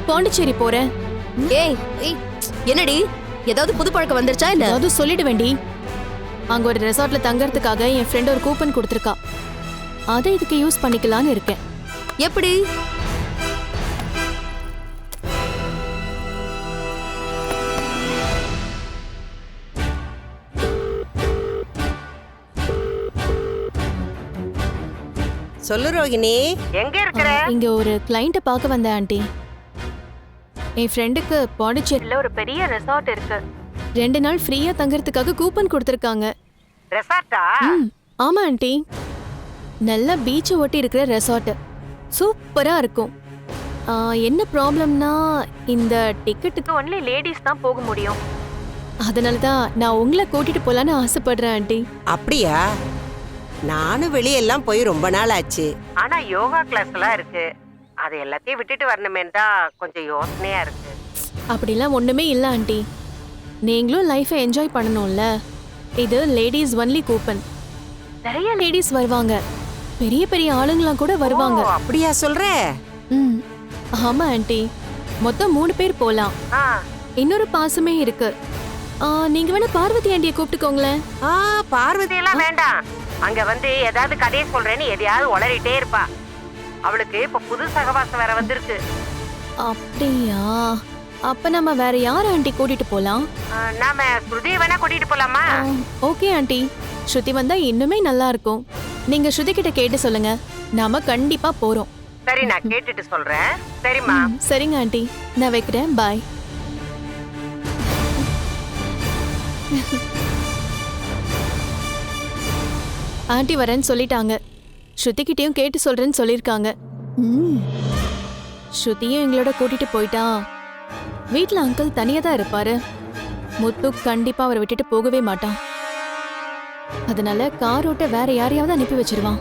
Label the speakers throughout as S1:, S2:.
S1: பாண்டிச்சேரி போறேன்.
S2: ஏய் ஏய், என்னடி ஏதாவது புது பழக்கம் வந்துருச்சா என்ன?
S1: ஏதாவது சொல்லிட வேண்டி. அங்க ஒரு ரெசார்ட்ல தங்கறதுக்காக என் ஃப்ரெண்ட் ஒரு கூப்பன் கொடுத்திருக்கா. அதை இதுக்கு யூஸ் பண்ணிக்கலாம்னு இருக்கேன்.
S2: எப்படி?
S3: சொல்லு ரோகிணி, எங்க இருக்கிற?
S1: இங்க ஒரு கிளைண்ட்டை பார்க்க வந்தேன் ஆண்டி. என் ஃப்ரெண்டுக்கு பாண்டிச்சேரியில ஒரு பெரிய ரெசார்ட் இருக்கு. 2 நாள் ஃப்ரீயா தங்கறதுக்காக கூப்பன் கொடுத்திருக்காங்க.
S3: ரெசார்ட்டா?
S1: ஆமா ஆண்டி. நல்ல பீச் ஒட்டி இருக்கிற ரெசார்ட். சூப்பரா இருக்கும். என்ன ப்ராப்ளம்னா இந்த டிக்கெட்டுக்கு ஒன்லி லேடிஸ் தான் போக முடியும். அதனால தான் நான் உங்களை கூட்டிட்டு போலான்னு ஆசைப்படுறேன் ஆண்டி.
S3: அப்படியா? நானும் வெளியெல்லாம் போய் ரொம்ப நாள் ஆச்சு. ஆனா யோகா கிளாஸ் எல்லாம் இருக்கு. அது எல்லாத்தையும் விட்டுட்டு வரணுமேன்னு தான் கொஞ்சம் யோசனையா இருக்கு.
S1: அப்படிலாம் ஒண்ணுமே இல்ல ஆண்டி. நீங்களும் லைஃபை என்ஜாய் பண்ணணும்ல. இது லேடிஸ் ஒன்லி கூப்பன். நிறைய லேடிஸ் வருவாங்க. பெரிய பெரிய ஆளுங்களாம் கூட வருவாங்க.
S3: ஓ, அப்படியா சொல்ற?
S1: ம் ஆமா ஆண்டி. மொத்தம் 3 பேர் போலாம். இன்னொரு பாசமே இருக்கு. நீங்க வேணா பார்வதி ஆண்டியை கூப்பிட்டுக்கோங்களேன்.
S3: பார்வதி எல்லாம் வேண்டாம். அங்க வந்து ஏதாவது கதையை சொல்றேன்னு எதையாவது உளறிட்டே இருப்பா. அவளுக்கு இப்ப புது சகவாசம் வேற வந்திருக்கு.
S1: அப்படியா? அப்ப நம்ம வேற யார் ஆண்டி கூட்டிட்டு போலாம்?
S3: நாம ஸ்ருதியை வேணா கூட்டிட்டு போலாமா?
S1: Okay aunty. ஸ்ருதி வந்தா இன்னுமே நல்லா இருக்கும். நீங்க ஸ்ருதி கிட்ட கேட்டு சொல்லுங்க. நாம கண்டிப்பா போறோம்.
S3: சரி, நான் கேட்டுட்டு சொல்றேன். சரிம்மா.
S1: சரிங்க ஆண்டி. நான் வைக்கிறேன். பாய். ஆண்டி வரேன்னு சொல்லிட்டாங்க. ஸ்ருதி கிட்டயும் கேட்டு சொல்றேன்னு சொல்லிருக்காங்க. ஸ்ருதியும் எங்களோட கூட்டிட்டு போயிட்டா வீட்ல அங்கிள் தனியா தான் இருப்பாரு. முத்து கண்டிப்பா அவரை விட்டுட்டு போகவே மாட்டான். அதனால கார் ஓட்ட வேற யாரையாவது அனுப்பி வச்சிருவான்.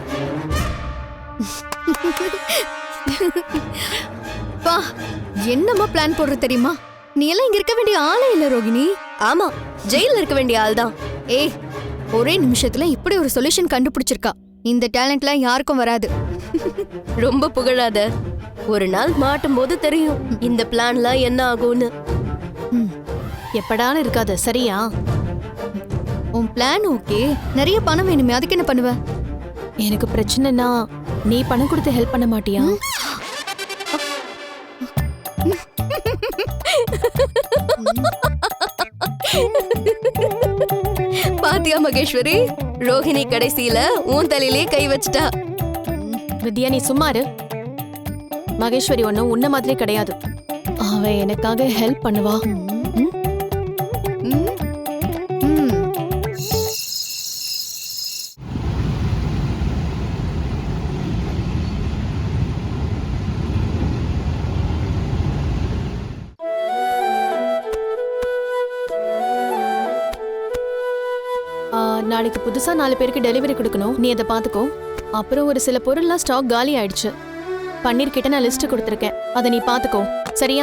S2: பா, என்னம்மா பிளான் போடுற தெரியுமா? நீ எல்லாம் இங்க இருக்க வேண்டிய ஆளே இல்ல ரோகிணி. ஆமா, ஜெயில இருக்க வேண்டிய ஆள் தான். ஏய், ஒரே நிமிஷத்துல இப்படி ஒரு சொல்யூஷன் கண்டுபிடிச்சிருக்கா. இந்த டேலண்ட்லாம் யாருக்கும் வராது. ரொம்ப புகழாத. ஒரு நாள் மாட்டும் போது தெரியும் இந்த பிளான்லாம் என்ன ஆகும்னு.
S1: எப்படான்னு இருக்காது. சரியா?
S2: உன் பிளான் ஓகே. நிறைய பணம் வேணுமே, அதுக்கு என்ன பண்ணுவ?
S1: எனக்கு பிரச்சனைனா நீ பணம் கொடுத்து ஹெல்ப் பண்ண மாட்டியா?
S2: பாத்தியா மகேஸ்வரி, ரோஹிணி கடைசியில உன் தலையிலே கை வச்சிட்டா.
S1: வித்யா, நீ சும்மாரு. மகேஸ்வரி ஒன்னும் உன்ன மாதிரி கிடையாது. அவ எனக்காக ஹெல்ப் பண்ணுவா. நாளைக்கு புதுசா 4 பேருக்கு டெலிவரி கொடுக்கணும். நீ அதை பாத்துக்கோ. அப்புறம் ஒரு சில பொருள்லாம் ஸ்டாக் காலி ஆயிடுச்சு. பன்னீர் கிட்ட நான் லிஸ்ட் கொடுத்துருக்கேன். அதை நீ பாத்துக்கோ. சரியா?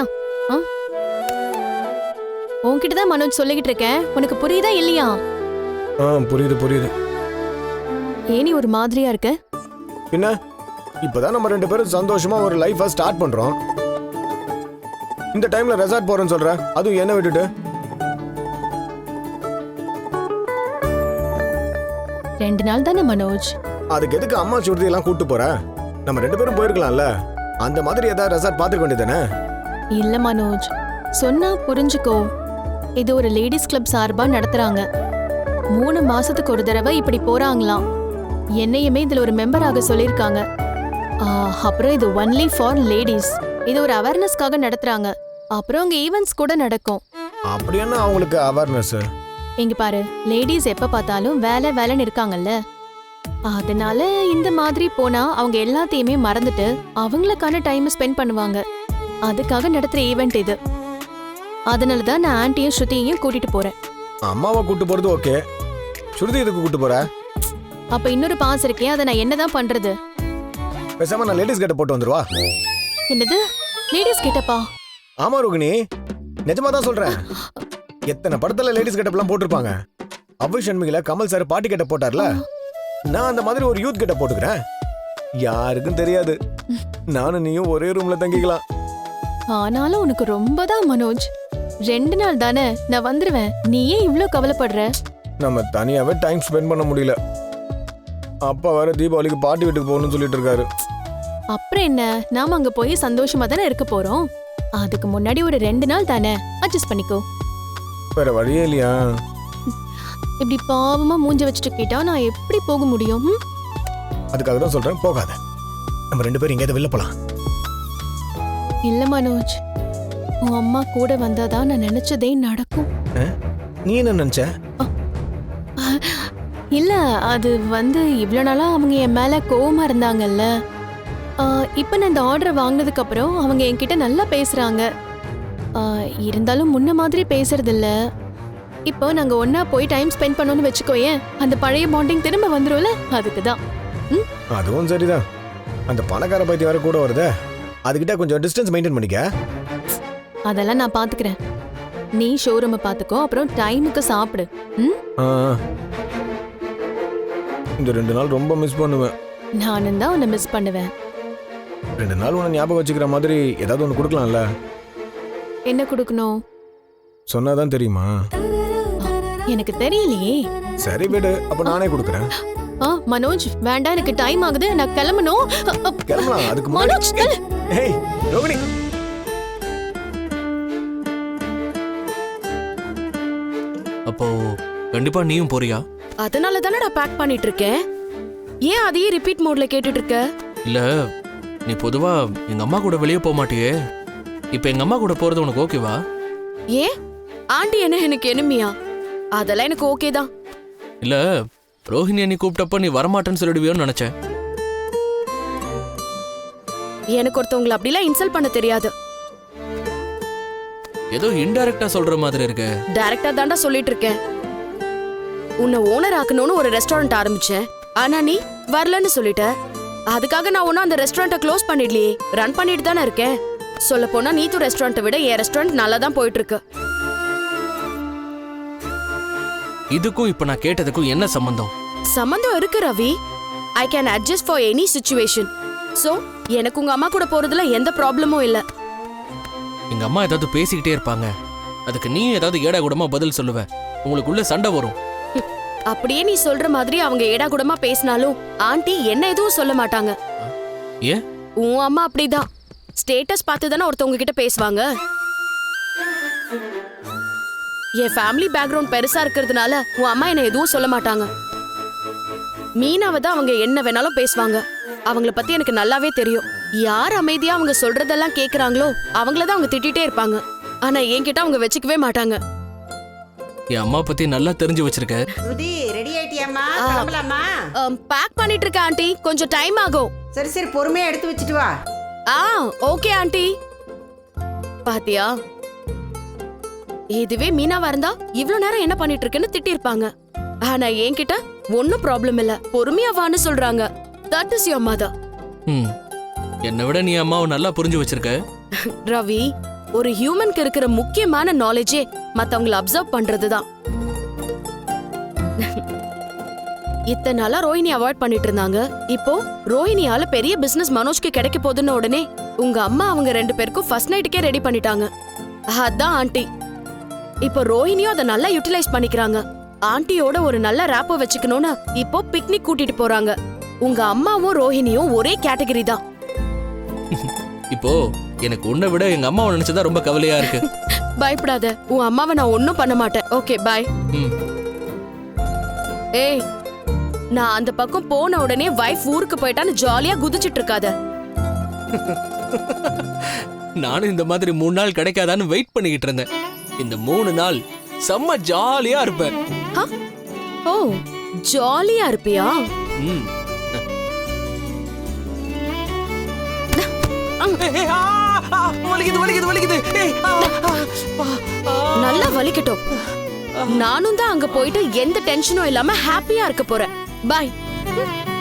S1: உன்கிட்ட தான் மனோஜ் சொல்லிக்கிட்டு இருக்கேன். உனக்கு புரியுதா இல்லையா?
S4: புரியுது புரியுது.
S1: ஏன் நீ ஒரு மாதிரியா இருக்க?
S4: என்ன, இப்பதான் நம்ம 2 பேரும் சந்தோஷமா ஒரு லைஃபை ஸ்டார்ட் பண்றோம். இந்த டைம்ல ரெசார்ட் போறேன்னு சொல்ற, அதுவும் என்ன விட்டுட்டு?
S1: 2 நாள் தானே மனோஜ்.
S4: அதுக்கு எதுக்கு அம்மா சுருதி எல்லாம் கூட்டு போற? நம்ம 2 பேரும் போயிருக்கலாம்ல. அந்த மாதிரி ஏதாவது ரெசார்ட் பாத்துக்க வேண்டியதானே?
S1: இல்ல மனோஜ், சொன்னா புரிஞ்சுக்கோ. இது ஒரு லேடிஸ் கிளப் சார்பா நடத்துறாங்க. 3 மாசத்துக்கு ஒரு தடவை இப்படி போறாங்களாம். என்னையுமே இதுல ஒரு மெம்பராக சொல்லிருக்காங்க. அப்புறம் இது ஒன்லி ஃபார் லேடிஸ். இது ஒரு அவேர்னஸ்க்காக நடத்துறாங்க. அப்புறம் அங்க ஈவென்ட்ஸ் கூட நடக்கும்.
S4: அப்படி என்ன அவங்களுக்கு அவேர்னஸ்?
S1: இங்க பாரு, லேடிஸ் எப்ப பார்த்தாலும் வேலை வேலைன்னு இருக்காங்கல்ல. அதனால இந்த மாதிரி போனா அவங்க எல்லாத்தையுமே மறந்துட்டு அவங்களுக்கான டைம் ஸ்பெண்ட் பண்ணுவாங்க. அதுக்காக நடத்துற ஈவெண்ட் இது. அதனாலதான் நான் ஆன்ட்டியும் ஸ்ருதியையும் கூட்டிட்டு போறேன்.
S4: அம்மாவை கூட்டு போறது ஓகே, ஸ்ருதி எதுக்கு கூட்டு போற?
S1: அப்ப இன்னொரு பாஸ் இருக்கே, அதை நான் என்னதான் பண்றது?
S4: பேசாம நான் லேடிஸ் கிட்ட போட்டு வந்துருவா.
S1: என்னது லேடிஸ் கிட்டப்பா?
S4: ஆமா ரோகிணி, நிஜமா தான் சொல்றேன். எத்தனை படத்துல லேடிஸ் கெட்டப்லாம் போட்டிருப்பாங்க. அவ்வை சண்முகில கமல் சார் பாட்டி கெட்ட போட்டார்ல, நான் அந்த மாதிரி ஒரு யூத் கெட்ட போட்டுக்கிறேன். யாருக்கும் தெரியாது. நானும் நீயும் ஒரே ரூம்ல தங்கிக்கலாம்.
S1: ஆனாலும் உனக்கு ரொம்ப தான் மனோஜ். 2 நாள் தானே, நான் வந்துருவேன். நீ ஏன் இவ்ளோ கவலைப்படுற?
S4: நம்ம தனியாவே டைம் ஸ்பெண்ட் பண்ண முடியல. அப்பா வேற தீபாவளிக்கு பாட்டி வீட்டுக்கு போகணும்னு சொல்லிட்டு இருக்காரு.
S1: அப்புறம் என்ன, நாம அங்க போய் சந்தோஷமா தானே இருக்க போறோம். அதுக்கு முன்னாடி ஒரு 2 நாள் தானே, அட்ஜஸ்ட் பண்ணிக்கோ.
S4: வேற வழியே இல்லையா?
S1: இப்படி பாவமா மூஞ்ச வச்சுட்டு கேட்டா நான் எப்படி போக முடியும்?
S4: அதுக்காக தான் சொல்றேன், போகாத. நம்ம 2 பேரும் எங்கேயாவது வெளில போலாம்.
S1: இல்ல மனோஜ், உன் அம்மா கூட வந்தாதான் நான் நினைச்சதே நடக்கும்.
S4: நீ என்ன நினைச்ச?
S1: இல்ல, அது இவ்வளோ நாளா அவங்க என் மேல கோவமா இருந்தாங்கல்ல. இப்போ நான் இந்த ஆர்டரை வாங்கினதுக்கு அப்புறம் அவங்க என்கிட்ட நல்லா பேசுறாங்க. இருந்தாலும் முன்ன மாதிரி பேசுறது இல்ல. இப்போ நாங்க ஒண்ணா போய் டைம் ஸ்பெண்ட் பண்ணோம்னு வச்சுக்கோயேன், அந்த பழைய பாண்டிங் திரும்ப வந்துரும்ல, அதுக்கு தான்.
S4: அதுவும் சரிதான். அந்த பணக்கார பைத்தியம் வேற கூட வருதே, அதுகிட்ட கொஞ்சம் டிஸ்டன்ஸ் மெயின்டைன் பண்ணிக்க.
S1: அதெல்லாம் நான் பாத்துக்கிறேன். நீ ஷோரூமை பாத்துக்கோ, அப்புறம் டைமுக்கு சாப்பிடு.
S4: இந்த 2 நாள் ரொம்ப மிஸ் பண்ணுவேன்.
S1: நானும் தான் உன்னை மிஸ் பண்ணுவேன்.
S4: 2 நாள் உன்னை ஞாபகம் வச்சுக்கிற மாதிரி ஏதாவது ஒன்று கொடுக்கலாம்ல?
S1: என்ன கொடுக்கணும்?
S4: சொன்னாதான் தெரியுமா?
S1: எனக்கு தெரியலையே.
S4: சரி விடு, அப்ப நானே கொடுக்குறேன்.
S1: மனோஜ் வேண்டாம், எனக்கு டைம் ஆகுது, நான் கிளம்பணும்.
S4: கிளம்பலாம். அதுக்கு
S1: மனோஜ்,
S4: ஏய் ரோகிணி,
S5: அப்போ கண்டிப்பா நீயும் போறியா?
S6: அதனால தானே நான் பேக் பண்ணிட்டு இருக்கேன். ஏன் அதையே ரிப்பீட் மோட்ல கேட்டுட்டு இருக்க?
S5: இல்ல, நீ பொதுவா எங்க அம்மா கூட வெளியே போக மாட்டியே. இப்ப எங்க அம்மா கூட போறது உனக்கு ஓகேவா?
S6: ஏன் ஆண்டி என்ன எனக்கு எனிமியா? அதெல்லாம் எனக்கு ஓகே தான்.
S5: இல்ல, ரோஹிணி நீ கூப்பிட்டப்ப நீ வரமாட்டேன்னு சொல்லிடுவியோன்னு நினைச்சேன்.
S6: எனக்கு ஒருத்தவங்களை அப்படிலாம் இன்சல்ட் பண்ண தெரியாது.
S5: ஏதோ இன்டைரக்டா சொல்ற மாதிரி இருக்கு.
S6: டைரக்டா தாண்டா சொல்லிட்டு இருக்கேன். உன்னை ஓனர் ஆக்கணும்னு ஒரு ரெஸ்டாரண்ட் ஆரம்பிச்சேன், ஆனா நீ வரலன்னு சொல்லிட்ட. அதுக்காக நான் ஒன்னும் அந்த ரெஸ்டாரண்ட்டை க்ளோஸ் பண்ணிடலையே, ரன் பண்ணிட்டு தானே இருக்கேன். சொல்ல போனா நீத்து ரெஸ்டாரண்ட்டை விட என் ரெஸ்டாரண்ட் நல்லா தான் போயிட்டு இருக்கு.
S5: இதுக்கும் இப்ப நான் கேட்டதுக்கும் என்ன சம்பந்தம்?
S6: சம்பந்தம் இருக்கு Ravi. I can adjust for any situation. So எனக்கு உங்க அம்மா கூட போறதுல எந்த ப்ராப்ளமும் இல்ல.
S5: எங்க அம்மா ஏதாவது பேசிக்கிட்டே இருப்பாங்க, அதுக்கு நீ ஏதாவது ஏடா கூடமா பதில் சொல்லுவ. உங்களுக்குள்ள சண்டை வரும்.
S6: அப்படியே நீ சொல்ற மாதிரி அவங்க ஏடா கூடமா பேசினாலும் ஆண்டி என்ன எதுவும் சொல்ல மாட்டாங்க.
S5: ஏன்?
S6: உன் அம்மா அப்படிதான். ஸ்டேட்டஸ் பார்த்து தானே ஒருத்தவங்க கிட்ட பேசுவாங்க. என் ஃபேமிலி பேக்ரவுண்ட் பெருசா இருக்கிறதுனால உன் அம்மா என்ன எதுவும் சொல்ல மாட்டாங்க. மீனாவை தான் அவங்க என்ன வேணாலும் பேசுவாங்க. அவங்கள பத்தி எனக்கு நல்லாவே தெரியும். யார் அமைதியா அவங்க சொல்றதெல்லாம் கேக்குறாங்களோ அவங்களதான் அவங்க திட்டிட்டே இருப்பாங்க. ஆனா என்கிட்ட அவங்க வச்சுக்கவே மாட்டாங்க.
S5: என் அம்மா பத்தி நல்லா தெரிஞ்சு வச்சிருக்க.
S3: ஸ்ருதி, ரெடி ஆயிட்டியாம்மா? கிளம்பலாமா?
S6: பேக் பண்ணிட்டு இருக்க ஆண்டி, கொஞ்சம் டைம் ஆகும்.
S3: சரி சரி, பொறுமையா எடுத்து வச்சுட்டு வா.
S6: Okay aunty. பாத்தியா, இதுவே மீனாவா இருந்தா இவ்ளோ நேரம் என்ன பண்ணிட்டு இருக்கேன்னு திட்டி இருப்பாங்க. ஆனா என்கிட்ட ஒன்னும் ப்ராப்ளம் இல்ல, பொறுமையா வான்னு சொல்றாங்க. That is your mother.
S5: என்னை விட நீ அம்மாவை நல்லா புரிஞ்சு வச்சிருக்க.
S6: ரவி, ஒரு ஹியூமனுக்கு இருக்கிற முக்கியமான நாலேஜே மத்தவங்களை அப்சர்வ் பண்றதுதான். இத்தனை நாளா ரோஹிணி அவாய்ட் பண்ணிட்டு இருந்தாங்க. இப்போ ரோஹிணியால பெரிய பிசினஸ் மனோஜ்க்கு கிடைக்க போதுன்னு உடனே உங்க அம்மா அவங்க 2 பேருக்கும் ஃபர்ஸ்ட் நைட்டுக்கே ரெடி பண்ணிட்டாங்க. அதான் ஆண்டி. இப்போ ரோஹிணியும் அதை நல்லா யூட்டிலைஸ் பண்ணிக்கிறாங்க. ஆண்டியோட ஒரு நல்ல ரேப்போ வச்சுக்கணும்னு இப்போ பிக்னிக் கூட்டிட்டு போறாங்க. உங்க அம்மாவும் ரோஹிணியும் ஒரே கேட்டகரி தான்.
S5: இப்போ எனக்கு உன்னை விட எங்க அம்மாவை நினைச்சதா ரொம்ப கவலையா இருக்கு.
S6: பயப்படாத, உன் அம்மாவை நான் ஒன்னும் பண்ண மாட்டேன். Okay bye. ஏய், நான் அந்த பக்கம் போன உடனே வைஃப் ஊருக்கு போயிட்டான்னு ஜாலியா குதிச்சிட்டு இருக்காத.
S5: நானும் இந்த மாதிரி 3 நாள் கிடைக்காதான்னு வெயிட் பண்ணிக்கிட்டு இருந்தேன். இந்த 3 நாள் செம்ம ஜாலியா இருப்பேன்.
S6: ஓ, ஜாலியா இருப்பியா? நல்லா வலிக்கட்டும். நானும் தான் அங்க போயிட்டு எந்த டென்ஷனும் இல்லாம ஹாப்பியா இருக்க போறேன். பாய்.